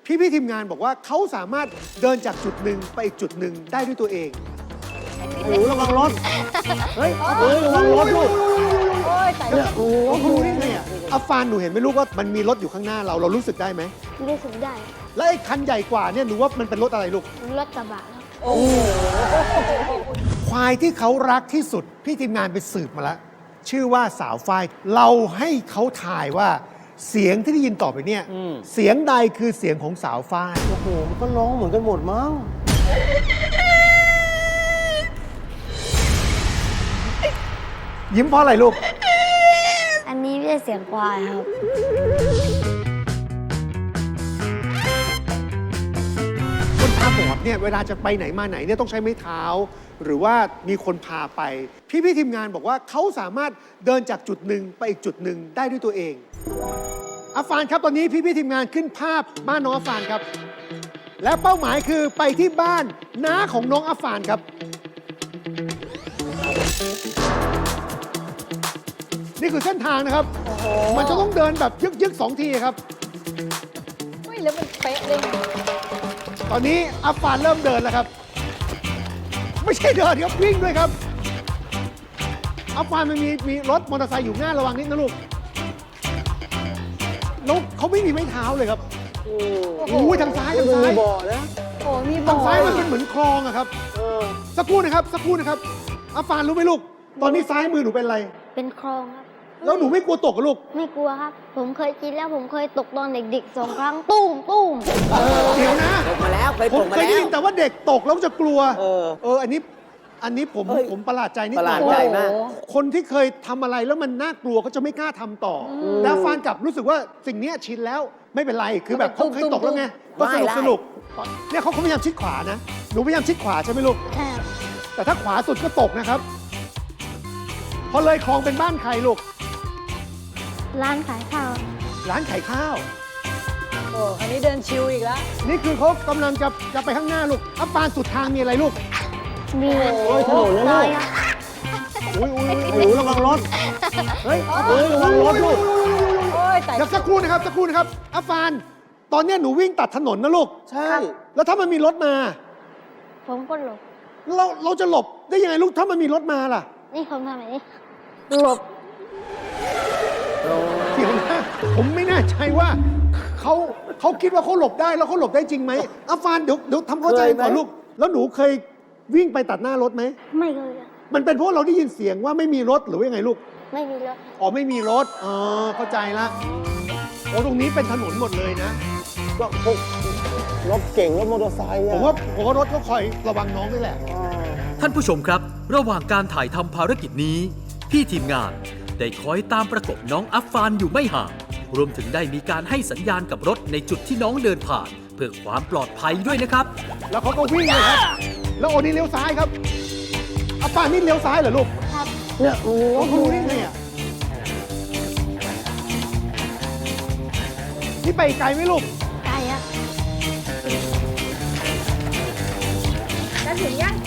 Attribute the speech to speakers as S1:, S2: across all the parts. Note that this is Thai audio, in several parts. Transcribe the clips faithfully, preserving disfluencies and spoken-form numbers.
S1: พี่พี่ทีมงานบอกว่าเขาสามารถเดินจากจุดหนึ่งไปอีกจุดหนึ่งได้ด้วยตัวเองโอ้ระวังรถเฮ้ยเฮ้ยระวังรถลูกโอ้ยแต่เนี่ยโอ้โหรู้ได้ไงอ่ะอัฟฟานหนูเห็นไหมลูกว่ามันมีรถอยู่ข้างหน้าเราเรารู้สึกได้ไหม
S2: รู้สึกได้
S1: และไอ้คันใหญ่กว่าเนี่ยหนูว่ามันเป็นรถอะไรลูก
S2: รถกระบะ
S1: โอ้ควายที่เขารักที่สุดพี่ทีมงานไปสืบมาแล้วชื่อว่าสาวฝ้ายเราให้เขาถ่ายว่าเสียงที่ได้ยินต่อไปเนี่ยเสียงใดคือเสียงของสาวฝ้าย
S3: โอ้โหมันก็ร้องเหมือนกันหมดมั้ง
S1: ยิ้มเพราะอะไรลูก
S2: อันนี้ไม่ใช่เสียงควายครับ
S1: คนตาบอดเนี่ยเวลาจะไปไหนมาไหนเนี่ยต้องใช้ไม้เท้าหรือว่ามีคนพาไปพี่พี่ทีมงานบอกว่าเขาสามารถเดินจากจุดหนึ่งไปอีกจุดหนึ่งได้ด้วยตัวเองอัฟฟานครับตอนนี้พี่พี่ทีมงานขึ้นภาพบ้านน้องอัฟฟานครับและเป้าหมายคือไปที่บ้านน้าของน้องอัฟฟานครับนี่คือเส้นทางนะครับมันจะต้องเดินแบบยึกยึกสองทีครับ
S4: ไม่แล้วมันเป๊ะเลย
S1: ตอนนี้อัฟฟานเริ่มเดินแล้วครับไม่ใช่เดินครับวิ่งด้วยครับอัฟฟานมันมีมีรถมอเตอร์ไซค์อยู่หน้าระวังนิดนะลูกแล้วเขาไม่มีไม้เท้าเลยครับโอ้โหทางซ้ายทางซ้าย
S3: มีบ่อนะ
S4: โอ้มีบ่อ
S1: ทางซ้ายมันเป็นเหมือนคลองอะครับสักครู่นะครับสักครู่นะครับอัฟฟานรู้ไหมลูกตอนนี้ซ้ายมือหนูเป็นอะไร
S2: เป็นคลองครับ
S1: แล้วหนูไม่กลัวตกกับลูก
S2: ไม่กลัวครับผมเคยกินแล้วผมเคยตกตอนเด็กๆสองครั้งตุ้มตุ้ม
S1: เดี๋ยวนะ
S3: ตกมาแล้วเคยตกมาแล้วผม
S1: เคยได้ยินแต่ว่าเด็กตกแล้วจะกลัว
S3: เออ
S1: เอออันนี้อันนี้ผมผมประหลาดใจนิดหน่อย
S3: ประหลาดใจมาก
S1: คนที่เคยทำอะไรแล้วมันน่ากลัวเขาจะไม่กล้าทำต่อแต่ฟานกลับรู้สึกว่าสิ่งนี้ชินแล้วไม่เป็นไรคือแบบเขาเคยตกแล้วไงก็สนุกสนุกเนี่ยเขาพยายามชิดขวานะหนูพยายามชิดขวาใช่ไหมลูก
S2: ใช่
S1: แต่ถ้าขวาสุดก็ตกนะครับพอเลยคลองเป็นบ้านใครลูก
S2: ร้านขายข้าว
S1: ร้านขายข้าว
S4: โอ้อันนี้เดินชิวอีกแล้ว
S1: นี่คือเขากำลังจะจะไปข้างหน้าลูกอัปปานสุดทางมีอะไรลูก
S2: มี
S3: โอ้ยถนนนะลูกอุ้ยอุ้ยโอ้ยระวังรถเฮ้ยเฮ้ยระวังรถลูก
S4: โอ้ยแต่
S1: เดี๋ยวสักครู่นะครับสักครู่นะครับอัปปานตอนนี้หนูวิ่งตัดถนนนะลูก
S3: ใช่
S1: แล้วถ้ามันมีรถมา
S2: ผมก็หลบ
S1: เราเราจะหลบได้ยังไงลูกถ้ามันมีรถมาล่ะ
S2: นี่ผมทำแบบนี้หลบ
S1: เดี๋ยวนะผมไม่แน่ใจว่าเขาเขาคิดว่าเขาหลบได้แล้วเขาหลบได้จริงไหมอัฟฟานเดี๋ยวเดี๋ยวทำเข้าใจก่อนลูกแล้วหนูเคยวิ่งไปตัดหน้ารถไหม
S2: ไม่เคย
S1: มันเป็นเพราะเราได้ยินเสียงว่าไม่มีรถหรือว่ายังไงลูก
S2: ไม่มีรถ
S1: อ๋อไม่มีรถอ๋อเข้าใจละโอ้ตรงนี้เป็นถนนหมดเลยนะ
S3: ก็พวกรถเก่งรถมอเตอร์ไซค์
S1: ผมว่าผมว่ารถก็คอยระวังน้องนี่แหละ
S5: ท่านผู้ชมครับระหว่างการถ่ายทำภารกิจนี้พี่ทีมงานได้คอยตามประกบน้องอัฟฟานอยู่ไม่ห่างรวมถึงได้มีการให้สัญญาณกับรถในจุดที่น้องเดินผ่านเพื่อความปลอดภัยด้วยนะครับ
S1: แล้วเขาก็วิ่งเลยครับแล้วโอนี่เลี้ยวซ้ายครับอัฟฟานนี่เลี้ยวซ้ายเหรอลูก
S2: ครับ
S1: เนี่ยโอ้โหนี่ไงอ่ะนี่ไปไกลไหมลูก
S2: ไกลอะ
S4: จะถึงยัง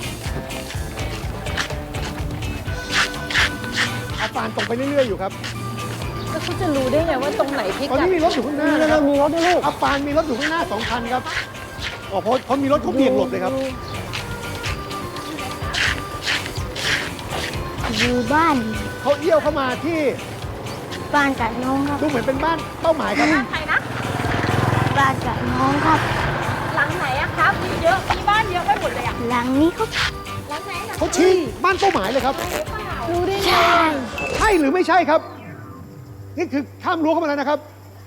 S1: อัฟฟานตรงไปเรื่อยๆอยู่ครับ
S4: แล้วเขาจะรู้ได้ไงว่าตรงไหนพิกัด
S1: ตอนนี้มีรถอยู่ข้างหน้านะครับมีรถด้วยลูกอัฟฟานมีรถอยู่ข้างหน้าสองคันครับอ๋อเพราะเขามีรถเขาเบี่ยงหลบเลยครับ
S2: อยู่บ้าน
S1: เขาเอี้ยวเข้ามาที่
S2: บ้านกับน้องครับ
S1: ดูเหมือนเป็นบ้านเป้าหมายครับ
S4: บ้านใครนะ
S2: บ้านกับน้องครับ
S4: หลังไหนอะครับมีเยอะมีบ้านเยอะไปหมดเลยอะ
S2: หลังนี้ครับ
S4: หลังไหน
S1: เขาชี้บ้านเป้าหมายเลยครับ
S4: รู้ได้ไง
S1: ใช่หรือไม่ใช่ครับนี่คือข้ามรั้วเข้ามาแล้วนะครับ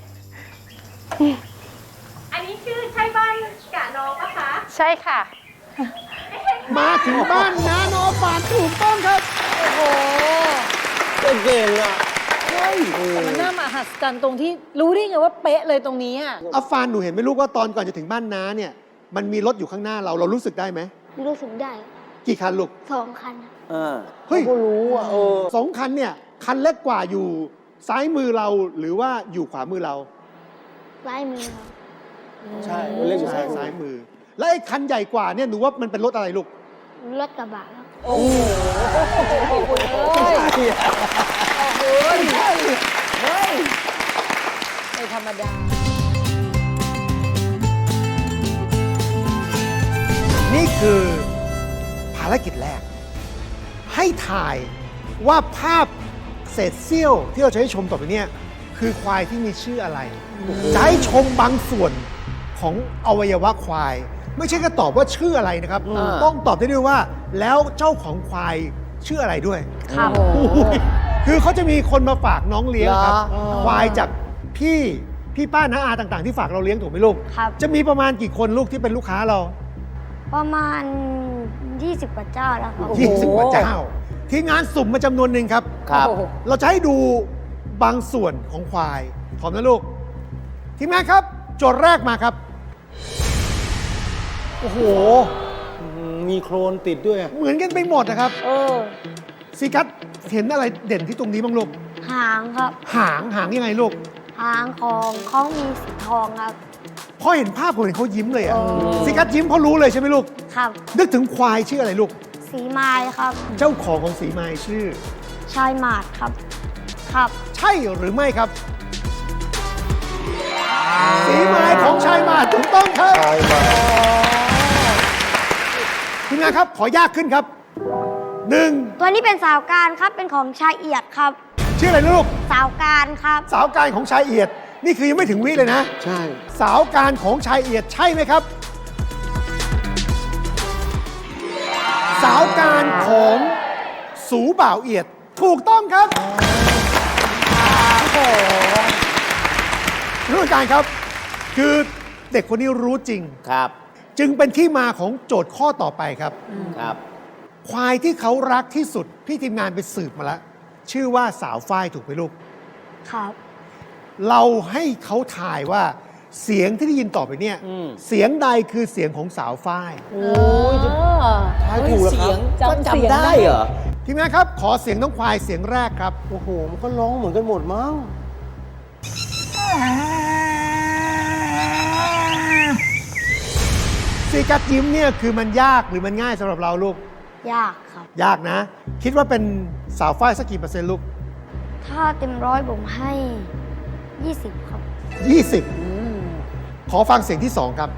S6: อันนี้คือใช่บ้านกะน้องปะคะ
S4: ใช่ค่ะ
S1: มาถึงบ้านน้าน้องฟานถูกต้องครับ
S4: โอ้โห
S3: เก่งอ่ะ
S1: เฮ้ย
S4: มันน่ามหัศจรรย์ตรงที่รู้ได้ไงว่าเป๊ะเลยตรงนี้อ่ะ
S1: อัฟฟานหนูเห็นไหมลูกว่าตอนก่อนจะถึงบ้านน้าเนี่ยมันมีรถอยู่ข้างหน้าเราเรารู้สึกได้ไหม
S2: รู้สึกได้
S1: กี่คันลูก
S2: สองคัน
S3: อ่า
S1: เฮ้ย
S3: ก็รู้อ่ะเออ
S1: สองคันเนี่ยคันเล็กกว่าอยู่ซ้ายมือเราหรือว่าอยู่ขวามือเรา
S2: ซ้ายมือ
S3: ใช่เล่นอยู่ซ้าย
S1: ซ้ายมือและไอ้คันใหญ่กว่าเนี่ยหนูว่ามันเป็นรถอะไรลูก
S2: รถกระบะครับ
S4: โอ้โห
S3: ไม่ใช่
S4: โอ้ยไม่ธรรมดา
S1: คือภารกิจแรก ให้ถ่ายว่าภาพเศษเสี้ยวที่เราจะให้ชมต่อไปเนี่ยคือควายที่มีชื่ออะไร จะให้ชมบางส่วนของอวัยวะควาย ไม่ใช่แค่ตอบว่าชื่ออะไรนะครับ
S3: อ่า
S1: ต้องตอบได้ด้วยว่า แล้วเจ้าของควายชื่ออะไรด้วย
S2: ครับ
S1: คือเขาจะมีคนมาฝากน้องเลี้ยงครับ
S3: เหรอ
S1: ควายจากพี่พี่ป้าน้าอาต่างๆ ที่ฝากเราเลี้ยงถูกไหมลูก
S2: ครับ
S1: จะมีประมาณกี่คนลูกที่เป็นลูกค้าเรา
S2: ประมาณ ยี่สิบ กว่าเจ้าแล้วครับ
S4: โอ้โห
S1: ยี่สิบกว่าเจ้า ทีมงานสุ่มมาจำนวนหนึ่งครับ
S3: ครับ
S4: โอ้โห
S1: เราจะให้ดูบางส่วนของควายพร้อมนะลูก ทีมงานครับ โจทย์แรกมาครับ โอ้โห
S3: อืมมีโครนติดด้วยอะ
S1: เหมือนกันไปหมดนะครับ
S4: เออ
S1: ซีกัสเห็นอะไรเด่นที่ตรงนี้บ้างลูก
S2: หางครับ
S1: หางหางยังไงลูก
S2: หางของเขามีสีทองครับ
S1: พอเห็นภาพผมเห็นเขายิ้มเลยอะ
S4: อ๋อ
S1: ซีกัสยิ้มเพราะรู้เลยใช่ไหมลูก
S2: ครับ
S1: นึกถึงควายชื่ออะไรลูก
S2: สีไม้ครับ
S1: เจ้าของของสีไม้ชื่อ
S2: ชายหมาดครับ ครับ
S1: ใช่หรือไม่ครับ สีไม้ของชายหมาดถูกต้องครับ
S3: ใช่มา
S1: ทีมงานครับ ขอยากขึ้นครับหนึ่ง
S2: ตัวนี้เป็นสาวการครับ เป็นของชายเอียดครับ
S1: ชื่ออะไรนะลูก
S2: สาวการครับ
S1: สาวการของชายเอียด นี่คือยังไม่ถึงวิเลยนะ
S3: ใช่
S1: สาวการของชายเอียดใช่ไหมครับ สาวการของสูบ่าวเอียด ถูกต้องครับรู้การครับ คือเด็กคนนี้รู้จริง
S3: ครับ
S1: จึงเป็นที่มาของโจทย์ข้อต่อไปครับ
S3: ครับ
S1: ควายที่เขารักที่สุด พี่ทีมงานไปสืบมาแล้ว ชื่อว่าสาวฝ้ายถูกไหมลูก
S2: ครับ
S1: เราให้เขาถ่ายว่าเสียงที่ได้ยินต่อไปเนี่ย
S3: อืม
S1: เสียงใดคือเสียงของสาวฝ้าย
S3: โอ้ยจะ ทายถูกเหรอครับ
S4: จำเสียง
S3: ก็จำได้เหรอ
S1: ทีมงานครับ ขอเสียงน้องควายเสียงแรกครับ
S3: โอ้โห มันก็ร้องเหมือนกันหมดมั้ง
S1: ซีกัดยิ้มเนี่ยคือมันยากหรือมันง่ายสำหรับเราลูก
S2: ยากครับ
S1: ยากนะ คิดว่าเป็นสาวฝ้ายสักกี่เปอร์เซ็นต์ลูก
S2: ถ้าเต็มร้อยผมให้ ยี่สิบ ครับ
S1: ยี่สิบ ขอฟังเสียงที่สองครับ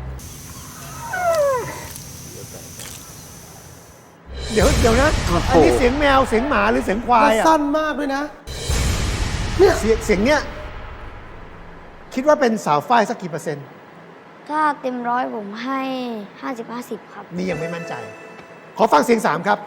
S1: เดี๋ยวเดี๋ยวนะ
S3: โอ้โห
S1: อันนี้เสียงแมวเสียงหมาหรือเสียงควาย
S3: มัน
S1: อะ
S3: สั้นมากด้วยนะ
S1: เสียงเสียงเนี้ยคิดว่าเป็นสาวฝ้ายสักกี่เปอร์เซ็นต์
S2: ถ้าเต็มร้อยผมให้ ห้าสิบ ห้าสิบ ครับ
S1: นี่ยังไม่มั่นใจ ขอฟังเสียงสามครับ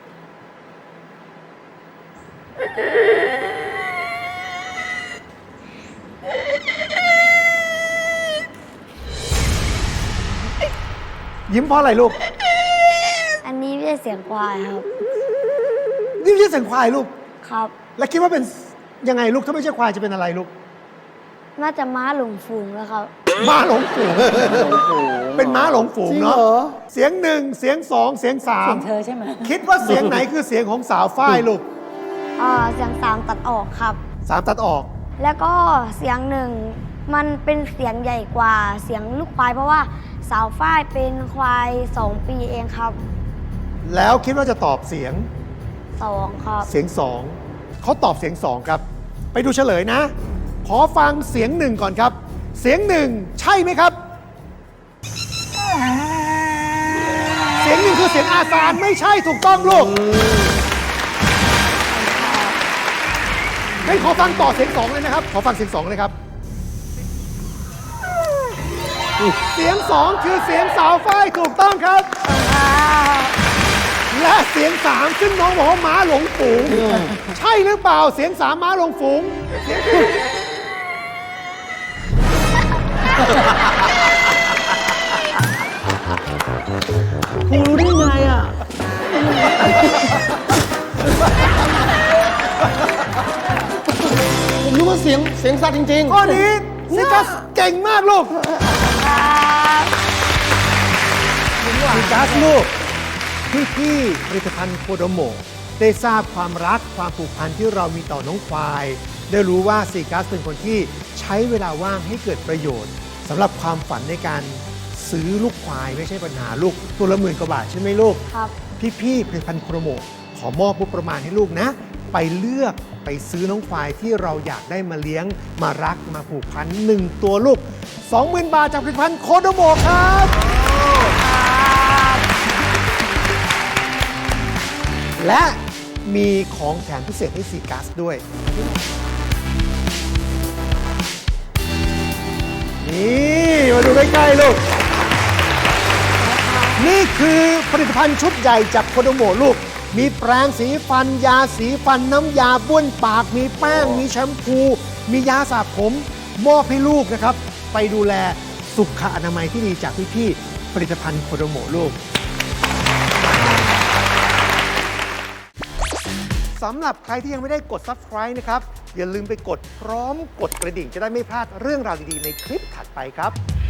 S1: ยิ้มเพราะอะไรลูก
S2: อันนี้ไม่ใช่เสียงควายครับ
S1: นี่ไม่ใช่เสียงควายลูก
S2: ครับ
S1: แล้วคิดว่าเป็นยังไงลูก ถ้าไม่ใช่ควายจะเป็นอะไรลูก
S2: น่าจะม้าหลงฝูงแล้วครับ
S1: ม้าหลงฝูง เป็นม้าหลงฝูง
S3: จริง
S1: เนาะ
S3: เหรอ
S1: เสียงหนึ่งเสียงสองเสียงสา
S4: เสี
S1: ม
S4: ยงเธอใช่ไหม
S1: คิดว่าเสียงไหนคือเสียงของสาวฝ้ายลูก
S2: อ่า เสียงสามตัดออกครับ
S1: สามตัดออก
S2: แล้วก็เสียงหนึ่งมันเป็นเสียงใหญ่กว่าเสียงลูกควาย เพราะว่าสาวฝ้ายเป็นควายสองปีเองครับ
S1: แล้วคิดว่าจะตอบเสียง
S2: สองครับ
S1: เสียงสองเขาตอบเสียงสองครับ ไปดูเฉลยนะ ขอฟังเสียงหนึ่งก่อนครับ เสียงหนึ่งใช่ไหมครับ เสียงหนึ่งคือเสียงอาซานไม่ใช่ถูกต้องลูกงั้นขอฟังต่อเสียงสองเลยนะครับ ขอฟังเสียงสองเลยครับ เสียงสองคือเสียงสาวฝ้ายถูกต้องครับ และเสียงสามซึ่งน้องบอกว่าม้าหลงฝูง ใช่หรือเปล่าเสียงสามม้าหลงฝูงเสียง
S3: คุณรู้ได้ไงอ่ะ ผมรู้ว่าเสียงเสียงสัตว์จริงๆ
S1: ข้อนี้ซิกัสเก่งมากลูกซิกัสลูก พี่พี่ๆผลิตภัณฑ์โคโดโมะได้ทราบความรักความผูกพันที่เรามีต่อน้องควาย ได้รู้ว่าซีกัสเป็นคนที่ใช้เวลาว่างให้เกิดประโยชน์สำหรับความฝันในการซื้อลูกควายไม่ใช่ปัญหาลูกตัวละหมื่นกว่าบาทใช่ไหมลูก
S2: ครับ
S1: พี่ๆผลิตภัณฑ์โคโดโมะขอมอบงบประมาณให้ลูกนะ ไปเลือกไปซื้อน้องควายที่เราอยากได้มาเลี้ยงมารักมาผูกพันหนึ่งตัวลูก สองหมื่น บาทจากผลิตภัณฑ์โคโดโมะครับและมีของแถมพิเศษให้ซีกัสด้วย นี่มาดูใกล้ๆลูก นี่คือผลิตภัณฑ์ชุดใหญ่จากโคโดโมะลูก มีแปรงสีฟัน ยาสีฟัน น้ำยาบ้วนปาก มีแป้ง มีแชมพู มียาสระผมมอบให้ลูกนะครับ ไปดูแลสุขอนามัยที่ดีจากพี่ๆผลิตภัณฑ์โคโดโมะลูก สำหรับใครที่ยังไม่ได้กด Subscribe นะครับ อย่าลืมไปกดพร้อมกดกระดิ่งจะได้ไม่พลาดเรื่องราวดีๆในคลิปถัดไปครับ